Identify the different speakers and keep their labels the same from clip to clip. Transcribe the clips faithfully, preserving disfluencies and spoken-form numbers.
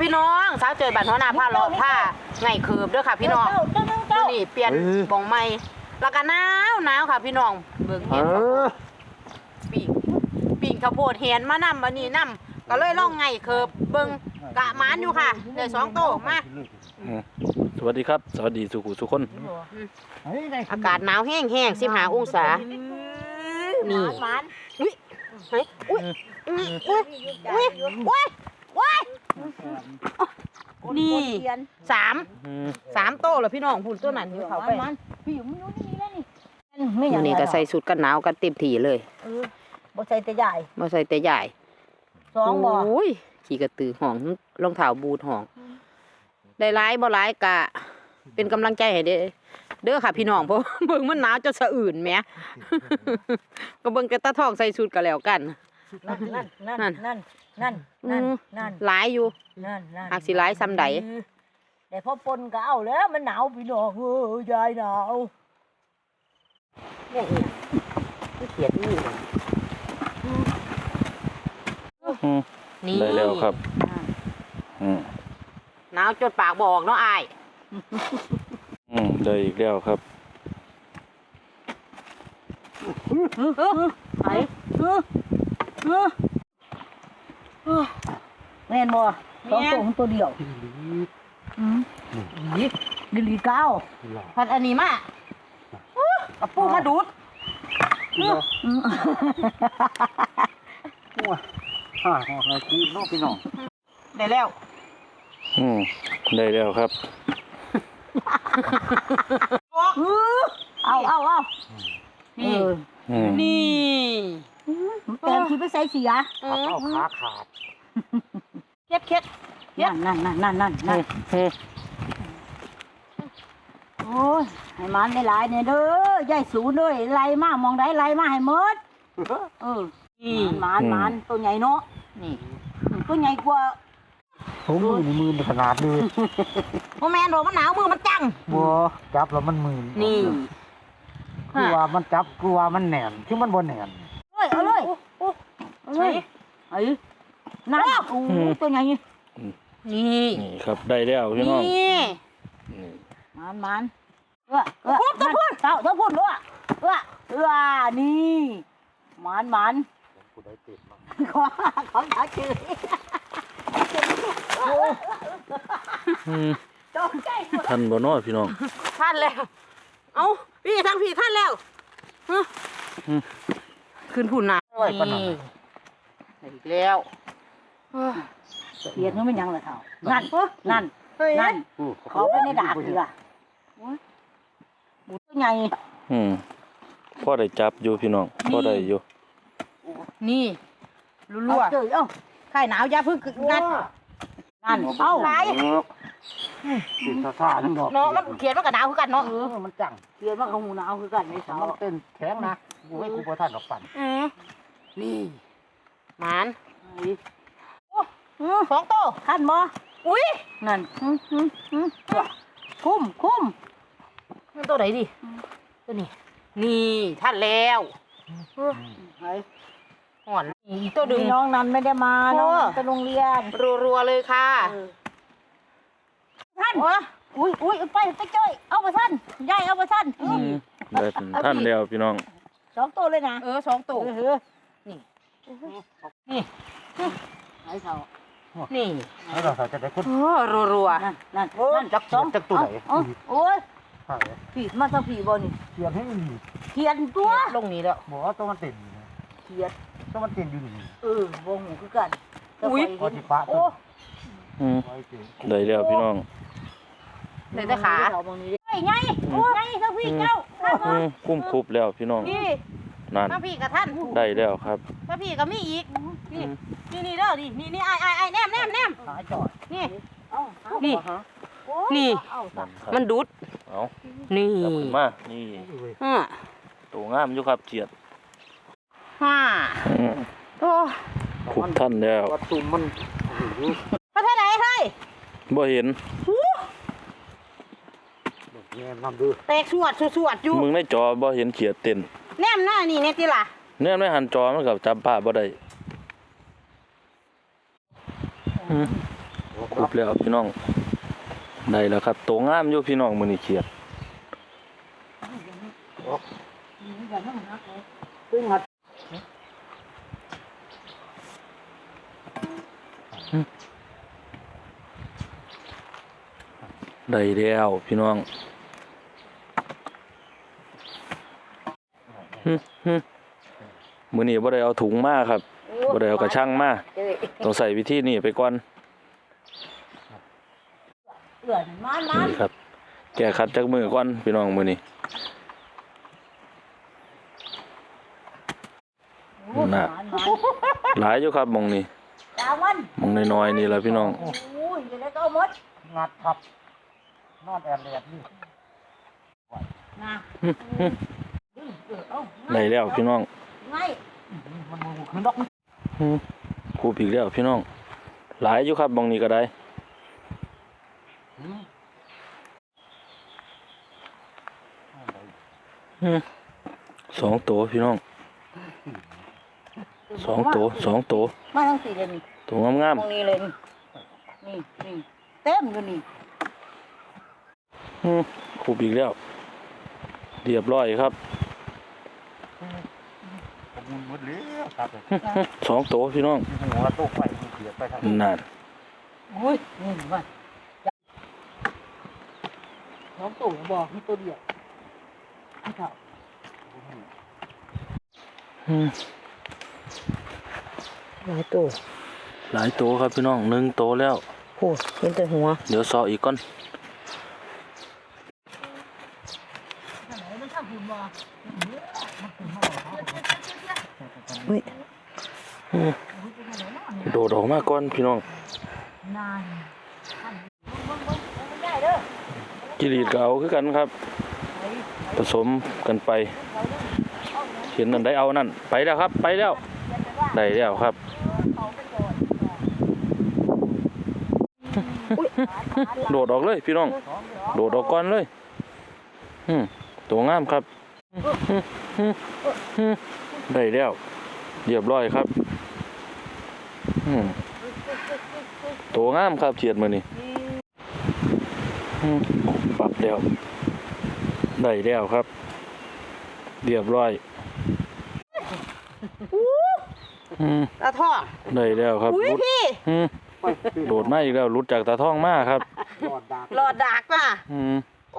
Speaker 1: พี่น้องสาวเจอบัตรหัวหน้าผ้าเลาะผ้าไงเคิบด้วยค่ะพี่น้องตัวนี้เปลี่ยนบองใหม่แล้วก็หนาวหนาวค่ะพี่น้องเบิ่งเห็นปีกปีกข้าวโพดเห็นมานำวันนี้นำก็เลยล่องไงเคิบเบิ่งกะหมานอยู่ค่ะได้สองโตมา
Speaker 2: สวัสดีครับสวัสดีสุขุทุกคน
Speaker 1: อากาศหนาวแห้งแห้งสิบห้าองศานี่อุ้ยอุ้ยอุ้ยอุ้ยอุ้ยอุ้ยอุ้ยนี่สามสามโตแล้วพี่น้องพูดตัวนั้นอยู่เขาไป
Speaker 3: พี่อยู่ไม่รู้นี่แล้วนี่
Speaker 1: ไม่อย่างนี้ก็ใส่สุดกันหนาวกันเต็มที่เลย
Speaker 3: เออบ่ใส่แต่ใหญ่
Speaker 1: บ่ใส่แต่ใหญ่
Speaker 3: สองบ่
Speaker 1: โอ้ยขี่กระตือห่องรองเท้าบูทห่องได้ร้ายบ่ร้ายกะเป็นกำลังใจให้เด้อเด้อค่ะพี่น้องเพราะเบิ่งมันหนาวจะสะอื่นแหมก็เบิ่งกระตาทองใส่ชุดก็แล้วกัน
Speaker 3: นั่นนั่นนั่นนั่นนั่นนั่น
Speaker 1: หลายอยู่
Speaker 3: นั่นนั่น
Speaker 1: หากสิหลายซ้ำใด
Speaker 3: แต่พอปนก็เอาแล้วมันหนาวพี่น้องเอ้ยยายหนาว
Speaker 1: เนี่ยเนี่ยที่เขียนนี่
Speaker 2: นี่ได้แล้วครับ
Speaker 1: หนาวจนปากบอกเนาะอาย
Speaker 2: อืมได้อีกแล้วครับ
Speaker 3: ไหนแม่นบ่สองตัวของตัวเดียวอืมนี่ดิลีเก้า
Speaker 1: พัดอันนี้มากับปูมาดูด
Speaker 4: ฮ่าฮ่าฮ่าคือน้องพี่น้อง
Speaker 1: ได้แล้ว
Speaker 2: อืมได้แล้วครับ
Speaker 3: เอาเอาเอา
Speaker 1: นี่นี่
Speaker 3: แต่ที่ไปใส่เสีย
Speaker 4: เอาขาขาด
Speaker 1: เค็ดเค็ด
Speaker 3: นั่นนั่นนั่นนั่นนั่นโอ้ยให้มันได้หลายเนี่ยเด้อยายสูเลยไล่มามองได้ไล่มาให้หมดเออนี่มันมันตัวใหญ่เนาะนี่ตัวใหญ่กว่า
Speaker 4: ผมมือในมือขนาดเลย
Speaker 1: โมแมนบอกมันหนาวมือมันจัง
Speaker 4: บัวจับแล้วมันมือ
Speaker 1: นี่
Speaker 4: คือว่ามันจับคือว่ามันแหน่นคือมันบ่แหน่น
Speaker 3: เฮ้ยเอาเลยเอาเลยไอ้นั่นโอ้ตัวใหญ่
Speaker 1: นี่
Speaker 2: นี่ครับได้แล้วพี่น้อง
Speaker 1: นี่
Speaker 3: มันมันเออเออตัวพุ่นเต่าตัวพุ่นด้วยเออเออนี่มันมันขอขอหาชื่อ
Speaker 2: ท่านบ่น้อยพี่น้อง
Speaker 1: ท่านแล้วเอาพี่ทั้งพี่ท่านแล้วขึ้นพุ่นนะนี่อีกแล้ว
Speaker 3: เรียนเขาไม่ยังเลยเท่านั่นนั่นนั่นเขาไปในดาบดีล่ะบุตรใหญ่
Speaker 2: อืมพ่อได้จับอยู่พี่น้องพ่อได้อยู่
Speaker 1: นี่รัวๆเอ้าไข่หนาวยาพึ่งงัดนั่นเอ้าไหล
Speaker 4: ติดซ่าๆทั้งดอก
Speaker 1: เนาะมันเขียนว่ากับหนาวคือกันเนาะ
Speaker 4: เออมันจัง
Speaker 3: เขียนว่าเขาหูหนาวคือกันในเสา
Speaker 4: มันเป็นแข็งนะกูให้กูบ่ทันดอกปั่น
Speaker 1: นี่หมานสองโต
Speaker 3: ท่านบ่
Speaker 1: อุ้ย
Speaker 3: นั่นคุ้มคุ้ม
Speaker 1: มันตัวไหนดิตัวนี้นี่ท่านแล้วห่อนอีตัวดึง
Speaker 3: น้องนั้นไม่ได้มาน้องไปโรงเรียน
Speaker 1: รัวๆเลยค่ะ
Speaker 3: ท่านอุ้ยอุ้ยไปไปเจ้ยเอาไปท่านยายเอาไปท่าน
Speaker 2: ได้ท่านแล้วพี่น้อง
Speaker 3: สองตัวเลยนะ
Speaker 1: เออสองตัว
Speaker 3: เออ
Speaker 1: นี่นี่
Speaker 3: ไอ้เขา
Speaker 1: นี่
Speaker 4: แล้วเราจะได้คน
Speaker 1: รัว
Speaker 3: ๆนั่นนั่นนั่น
Speaker 4: จักสองจักตัวไหน
Speaker 3: โอ้ยผีมาทางผีบ่นี่
Speaker 4: เขียนให้มัน
Speaker 3: เขียนตัว
Speaker 1: ลงนี้แล้ว
Speaker 4: บอกว่าตัวมันเต็ม
Speaker 3: เขียน
Speaker 4: ตัวมันเต็มอยู่นี่
Speaker 3: เออบ่หูคือกัน
Speaker 1: อุ้ย
Speaker 4: โอ้
Speaker 2: ได้แล้วพี่น้อง
Speaker 1: ได้แต่ขา
Speaker 3: ไอ้ไงไงทางพี่เจ้า
Speaker 2: คุ้มคุบแล้วพี่น้องนั่น
Speaker 1: ทางพี่กับท่าน
Speaker 2: ได้แล้วครับ
Speaker 1: ทางพี่กับมีอีกนี่นี่นี่เด้อนี่นี่นี่ไอ้ไอ้ไอ้แนมแนมแนมนี่นี่นี่มันดูด
Speaker 2: เอา
Speaker 1: นี่
Speaker 2: มานี่
Speaker 1: ฮ่า
Speaker 2: ตัวงามอยู่ครับเจียด
Speaker 1: ฮ่าโอ้
Speaker 2: คุบท่านแล้ว
Speaker 4: วัดตุ่มมัน
Speaker 1: พระท่านไหนเฮ้ย
Speaker 2: บ่เห็น
Speaker 4: แนมนำดู
Speaker 1: แตกสวดสวดอยู่
Speaker 2: มึงในจอบ่เห็นเขียดเต้น
Speaker 1: แนมหน้านี่เนี่ยติล่ะ
Speaker 2: แนมในหันจอมันกับจับภาพบ่ได้ครบแล้วพี่น้องได้แล้วครับโตงามอยู่พี่น้องมื้อนี้เขียด
Speaker 3: ซึ่งหัด
Speaker 2: ได้แล้วพี่น้องฮึฮึมื้อนี้บ่ได้เอาถุงมาครับบ่ได้เอากระชังมาต้องใส่วิธีนี้ไปก่อน
Speaker 3: เอื้อนมันมัน
Speaker 2: นี่ครับแก้คัดจากมือก่อนพี่น้องมื้อนี้น่ะหลายอยู่ครับหม่องนี้
Speaker 3: ดาวมัน
Speaker 2: หม่องน้อยๆนี่ล่ะพี่น้อง
Speaker 3: โอ้ยอยู่ในก็หมด
Speaker 4: งัดทับนอนแอนแลดนี่
Speaker 3: นะ
Speaker 2: ฮึฮึ
Speaker 3: ดึงเออเอา
Speaker 2: ได้แล้วพี่น้อง
Speaker 3: ไง
Speaker 4: มันมันขึ้นดอก
Speaker 2: ฮึครูอีกแล้วพี่น้องหลายอยู่ครับหม่องนี้ก็ได้ฮึสองตัวพี่น้องสองตัวสองตัว
Speaker 3: มาทั้งสี่เลยนี่
Speaker 2: ตัวงาม
Speaker 3: ตรงนี้เลยนี่นี่นี่เต็มอยู่นี่
Speaker 2: ๆฮึครูอีกแล้วเรียบร้อยครับ
Speaker 4: ผมมุนหมดแล้วครับ
Speaker 2: ฮึฮึสองตัวพี่น้อง
Speaker 4: หัวโต๊ะไฟมันเสียไปทาง
Speaker 2: นั่น
Speaker 3: อุ้ยนี่ว่าน้องตู่บอกมีตัวเดียวไม่เท่า
Speaker 2: ฮึ
Speaker 3: หลายตัว
Speaker 2: หลายตัวครับพี่น้องหนึ่งตัวแล้ว
Speaker 3: โอ้เห็นแต่หัว
Speaker 2: เดี๋ยวซออีกก่อน
Speaker 3: อุ้ย
Speaker 2: ฮึโดดออกมาก่อนพี่น้อง
Speaker 3: นานได้เด้อ
Speaker 2: กิริดก็เอาคือกันครับ ผสมกันไป เห็นนั่นได้เอานั่นไปแล้วครับ ไปแล้วได้แล้วครับ โดดออกเลยพี่น้อง โดดออกก่อนเลยอืมตัวงามครับอืมอืมอืมได้แล้วเรียบร้อยครับอืมตัวงามครับเฉียดมือนี่อืมปรับแล้วได้แล้วครับ เรียบร้อยอืม
Speaker 1: ตาท่อง
Speaker 2: ได้แล้วครับ
Speaker 1: อุ้ย
Speaker 2: รุด
Speaker 1: พี่
Speaker 2: อืมโดดมาอีกแล้วรุดจากตาท่องมาครับ
Speaker 4: หลอดดาก
Speaker 1: หลอดดากน่ะ
Speaker 2: อืม
Speaker 1: โอ้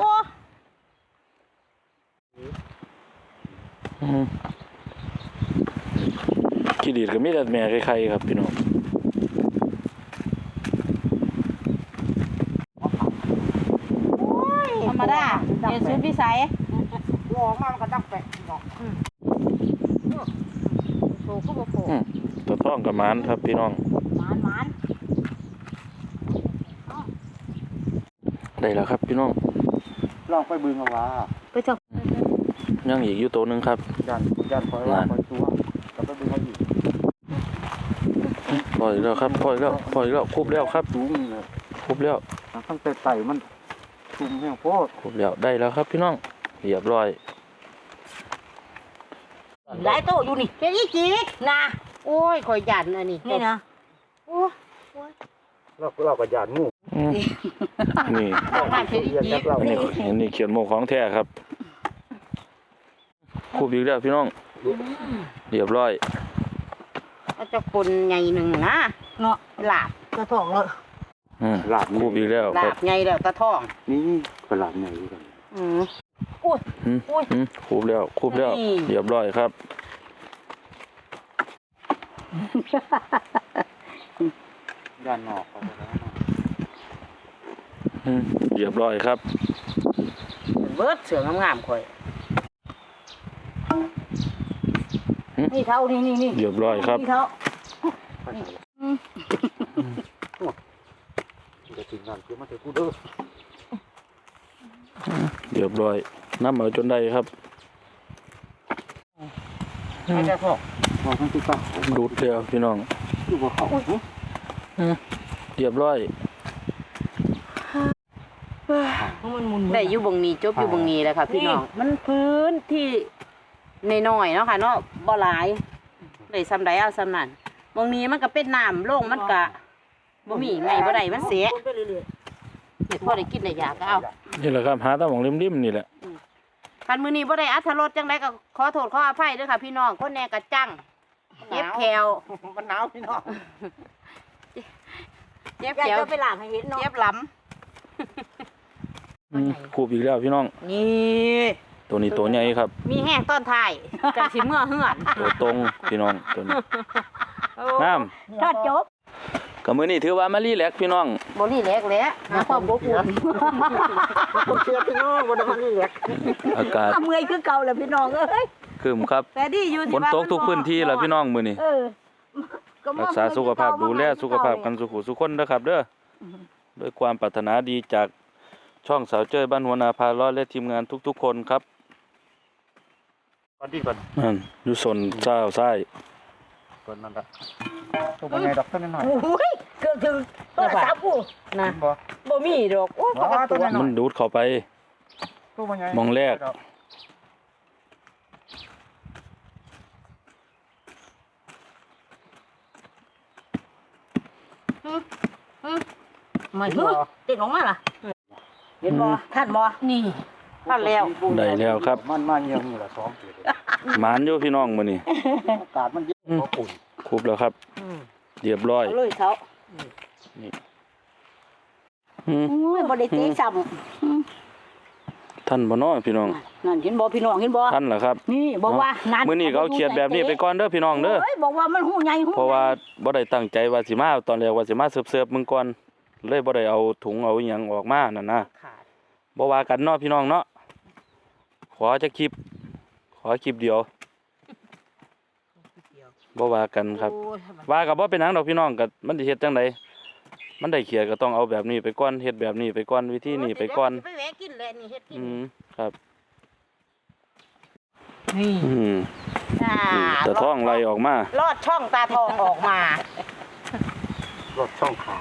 Speaker 2: อืมขี้ดีดก็มีแต่แม่ใครๆครับพี่น้อง
Speaker 1: ธรรมดาเรียนสุดวิสัย
Speaker 4: หัวออกมามันก็ดังแปะดอก
Speaker 1: โผล่ก็บ่โผล่
Speaker 2: อืมตาท่องกับหมานครับพี่น้อง
Speaker 3: หมานหมาน
Speaker 2: ได้แล้วครับพี่น้อง
Speaker 4: ลองไปบึงเอาว่า
Speaker 3: ไปเจ้า
Speaker 2: ยังอีกอยู่ตัวหนึงครับ
Speaker 4: ยันยันคอยว่าคอยตัวก็ไปบึงเอาอีก
Speaker 2: ปล่อยแล้วครับปล่อยแล้วปล่อยแล้วครบแล้วครับ
Speaker 4: สูงเลย
Speaker 2: ครบแล้ว
Speaker 4: ตั้งแต่ไต่มันชุ่มแห้งโพด
Speaker 2: ครบแล้วได้แล้วครับพี่น้องเรียบร้อย
Speaker 3: หลายตัวอยู่นี่เป็นอีจีกนะ
Speaker 1: โอ้ยคอยหยันอันนี้
Speaker 3: นี่นะ
Speaker 1: โอ้
Speaker 4: เราเราก็ยานงู
Speaker 2: อืมนี่
Speaker 1: ของบ้านเพชรอี
Speaker 4: เรียน
Speaker 1: จี
Speaker 4: จากเรา
Speaker 2: อันนี้อันนี้เขียนโมของแท้ครับครบอีกแล้วพี่น้องเรียบร้อย
Speaker 1: ก็จะคนใหญ่หนึ่งนะ
Speaker 3: เนาะ
Speaker 1: หลาบ
Speaker 3: กระถองเลย
Speaker 2: อืมครบอีกแล้ว
Speaker 1: ห
Speaker 2: ค
Speaker 1: ลา
Speaker 2: รับบ
Speaker 1: ใหญ่แล้วตาท่อง
Speaker 4: นี่ก็หลานใหญ่ด้วยกัน
Speaker 1: อืม
Speaker 3: อุ้ย
Speaker 2: อืมอืมครบแล้วครบแล้ว
Speaker 1: นี่
Speaker 2: เรียบร้อยครับ
Speaker 4: ยานนอกก็ได้
Speaker 2: อืมเรียบร้อยครับ
Speaker 1: เบิดเสืองงามๆคอย
Speaker 3: นี่เท่านี่นี่นี่
Speaker 2: เรียบร้อยครับ
Speaker 3: นี่เท่า
Speaker 4: จะถึงงานคือมาเถอะกูเด้อ
Speaker 2: เรียบร้อยน้ำเอาจนได้ครับ
Speaker 1: ให้ตาท่อง
Speaker 4: มองทั้งที่ตั้ง
Speaker 2: ดูดเดียวพี่น้อง
Speaker 4: อยู่บนเขา
Speaker 2: เรียบร้อย
Speaker 3: มันมุน
Speaker 1: ได้อยู่บงนี้จบอยู่บงนี้แหละค่ะพี่น้องมันพื้นที่น้อยๆเนาะค่ะเนาะบ่หลายได้ซ้ำใดเอาซ้ำนั้นบงนี้มันก็เป็นน้ำโล่งมันก็บ่มีไงบ่ได้มันเสีย
Speaker 3: ไปเรื่อย
Speaker 1: เฮ็ดพอได้กินได้ยากก็เอา
Speaker 2: นี่แหละครับหาแตะหม่องริมๆนี่แหละ
Speaker 1: คันมื้อนี้บ่ได้อรรถรสจังไดก็ขอโทษขออภัยเด้อค่ะพี่น้องคนแหน่กะจังเจ็บแขว
Speaker 4: มันหนาวพี่น้อง
Speaker 1: เจ็บ
Speaker 3: ๆอยาก
Speaker 1: แขว
Speaker 3: จะไปล้างให้เห็นเนาะ
Speaker 1: เจ็บหลํ
Speaker 2: อืมคูบอีกแล้วพี่น้อง
Speaker 1: นี่
Speaker 2: ตัวนี้ตัวใหญ่ครับ
Speaker 1: มีแห้งต้นท้ายจังสิเมื่อเฮือน
Speaker 2: ตัวตรงพี่น้องตัวนี้น้ำ
Speaker 3: ถ้าจบ
Speaker 2: ก็มื้อนี้ถือว่ามารีแลกซ์พี่น้อง
Speaker 1: บ่รีแลกแหล้วหาความอบอุ่น
Speaker 4: ผมเชื่อพี่น้องบ่ได้มันนี่แหละ
Speaker 2: อากาศ
Speaker 3: เมื่อยคือเก่าแหละพี่น้องเอ้ย
Speaker 2: ครึมครับ
Speaker 1: แต่ดีอยู่
Speaker 2: ฝ
Speaker 1: ที่
Speaker 2: น
Speaker 1: ว่า
Speaker 2: ตกทุกพื้นที่แล้วพี่น้องมื้อนี้
Speaker 3: เออ
Speaker 2: รักษาสุขภาพดูแลสุขภาพกันสุขุสุขคนเด้อครับเด้อด้วยความปรารถนาดีจากช่องสาวเจ้ยบ้านหัวนาพาล้อและทีมงานทุกๆคนครับ
Speaker 4: ก่อนดีก่อน
Speaker 2: นั่นอยู่สนเจ้าซ้าย
Speaker 4: ก่อนนั่นละตัวมันใหญ่ดอกต้นน้อย
Speaker 3: โอ้ยเกือบถึงโทรศัพท์กู
Speaker 1: นะ
Speaker 4: บ่
Speaker 1: บ่มีดอกโอ้ยปกติ
Speaker 2: มันดูดเข้าไป
Speaker 4: ตัวมันใหญ่
Speaker 2: มองแรก
Speaker 3: มาเฮ้ยติดออกมาล่ะเห็นบ่ท่านบ่นี่
Speaker 1: ท่านแล้ว
Speaker 2: ได้แล้วครับ
Speaker 4: มันมาเยี่ยมนี่ละสองปีเลย
Speaker 2: หมานอยู่พี่น้องมื้อนี้
Speaker 4: อากาศมันเย็นบ่อุ่น
Speaker 2: ครบแล้วครับ
Speaker 1: อืม
Speaker 2: เรียบร้อย
Speaker 3: เอาเลยเขา
Speaker 2: อืม
Speaker 3: โอ้ยบ่ได้เตะซ้ำ
Speaker 2: ท่านบ่น้อพี่น้อง
Speaker 3: นั่นเห็นบ่พี่น้องเห็นบ่
Speaker 2: ท่านเหรอครับ
Speaker 3: นี่บอกว่านั่น
Speaker 2: มื้อนี้ก็เอาเขียดแบบนี้ไปก่อนเด้อพี่น้องเด้อ
Speaker 3: โอ้ยบอกว่ามันหูใหญ่หู
Speaker 2: เพราะว่าบ่ได้ตั้งใจว่าสิมาตอนแรกว่าสิมาเสิร์ฟๆมึงก่อนเลยบ่ได้เอาถุงเอาอิหยังออกมานั่นนะ
Speaker 1: ขาด
Speaker 2: บ่ว่ากันเนาะพี่น้องเนาะขอจะคลิป ขอคลิปเดียวบ่ว่ากันครับ
Speaker 1: โอ้ย
Speaker 2: ว่าก็บ่เป็นหยังดอกพี่น้องก็มันสิเฮ็ดจังไดมันได้เขียดก็ต้องเอาแบบนี้ไปก่อนเฮ็ดแบบนี้ไปก่อนวิธีนี้ไปก่อน
Speaker 1: ไปแวะกินแหละนี่เฮ็ดกิน
Speaker 2: อืมครับ
Speaker 1: นี่
Speaker 2: อืม
Speaker 1: อ่า
Speaker 2: แต่ท้องไหลออกมา
Speaker 1: ลอดช่องตาทองออกมา
Speaker 4: รถช่องขา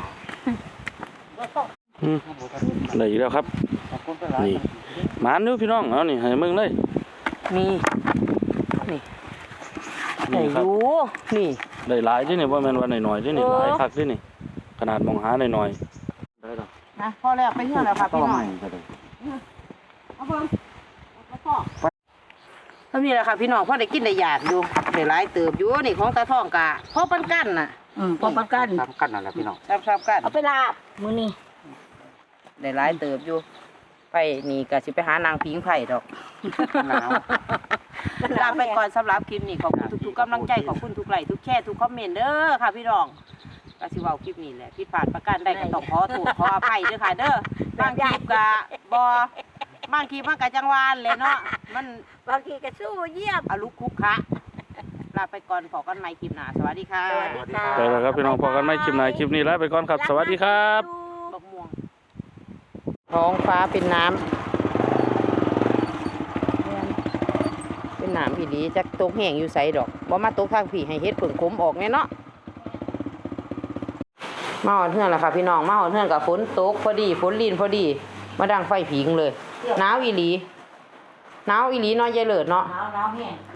Speaker 2: อืมได้อีกแล้วครับ
Speaker 4: ขอบคุณไปหลาย
Speaker 2: นี่ หมานอยู่พี่น้องเอานี่ให้มึงเลย
Speaker 1: มีนี่ไหน
Speaker 2: นี่ครับ
Speaker 1: ดูนี่
Speaker 2: ได้หลายเด้นี่บ่แม่นว่าน้อยๆเด้นี่
Speaker 1: เออ
Speaker 2: หลายคักเด้นี่ ขนาดมองหาน้อยๆได้ดอก
Speaker 1: นะพอแล้วไปเที่ยวแล้วค่ะ
Speaker 4: ต่อ
Speaker 1: พี่น้อ
Speaker 4: ใหม่
Speaker 1: ง
Speaker 4: ก็ได้
Speaker 1: เอาเพิ่มเอาพ่อเท่านี้แหละค่ะพี่น้องพ่อได้กินได้อยากอยู่ได้หลายเติบอยู่นี่ของตาทองกะพ่อปันกันน่ะ
Speaker 3: อืมพอประกัน
Speaker 4: ทำกันนั่นแหละพี่น้อง
Speaker 1: ซับๆกัน
Speaker 3: เอาไปลาบมื้อนี้
Speaker 1: ได้หลายเติบอยู่ไปนี่ก็สิไปหานางพิงไผ่ดอก
Speaker 4: หนาว
Speaker 1: ลาไปก่อนสำหรับคลิปนี้ขอบคุณทุกๆกำลังใจขอบคุณทุกไลค์ทุกแชร์ทุกคอมเมนต์เด้อค่ะพี่น้องก็สิเว้าคลิปนี้แหละผิดพลาดประการใดก็ต้องขอโทษขออภัยเด้อค่ะเด้อบางคลิปก็บ่บางคลิปมันก็จังหวานเลยเนาะมัน
Speaker 3: บางทีก็สู้เยี่ยม
Speaker 1: อาลุกคุกคะลาไปก่อนพอกันใหม่คลิปหน้าสวัสดีค่ะ
Speaker 3: สวัสดีค่ะ
Speaker 2: ไปแล้วครับพี่น้องพอกันใหม่คลิปหน้าคลิปนี้ลาไปก่อนครับ สวัสดีครับ
Speaker 1: บักม่วงท้องฟ้าเป็นน้ำเป็นน้ำพี่ดีจักตกแห้งอยู่ใสดอกบ่มาตกทางพี่ให้เฮ็ดผึ่งขมออกแน่เนาะมาหอดเฮือนแล้วค่ะพี่น้องมาหอดเฮือนกับฝนตกพอดีฝนลีนพอดี มาดังไฟผิงเลยหนาวอีหลีหนาวอีหลีเนาะยายเลิศเนาะ
Speaker 3: หนาวหนาวแห้ง